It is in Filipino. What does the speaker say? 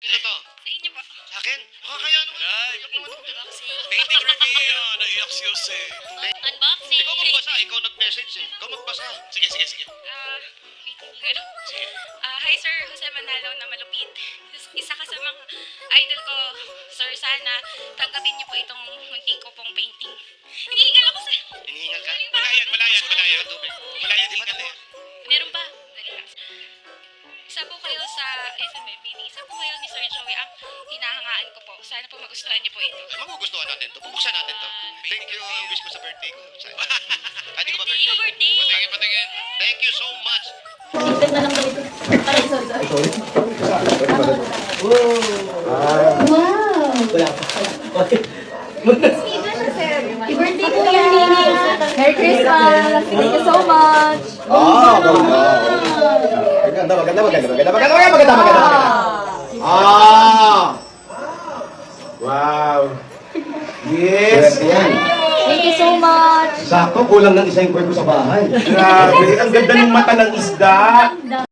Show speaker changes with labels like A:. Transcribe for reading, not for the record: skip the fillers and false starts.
A: Ano to?
B: Sa inyo po.
A: Sa akin? Nakakaya naman.
C: Ay.
A: Iyak naman.
B: Unboxing.
C: Painting reveal. Naiyak si Jose.
B: Unboxing.
A: Ikaw magbasa. Ikaw nag-message eh. Ikaw magbasa.
C: Sige, sige, sige.
B: Wait, ano?
C: Sige.
B: Hi Sir Jose Manalo na malupit. Isa ka sa mga idol ko. Sir, sana tanggapin niyo po itong munti ko pong painting. Hinihingal ako sa...
A: Hinihingal ka?
C: Wala yan, wala yan, wala yan.
A: Tubig.
C: Wala yan,
A: Di ba
C: hingal
A: ako?
C: yan.
B: Meron ba? Dali lang. Isa po kayo sa... Isa po kayo ni Sir Joey ang hinahangaan ko po. Sana po magustuhan niyo po ito.
A: Ay, magugustuhan natin to. Bubuksan natin to. Thank you. Wish ko sa birthday ko. Sana. Hindi ko ba
B: Thank you,
A: birthday?
B: birthday.
C: Patingin, patingin.
A: Thank you so much.
D: Ipit na lang kami. Aray, sorry. Wow! I-birthday ko yan, Nini. Merry Christmas! Thank you so much!
E: Maganda. Wow. Yes.
D: Thank you so much!
E: Sakto, kulang ng isa yung kwento sa bahay. Grabe, ang ganda ng mata ng isda.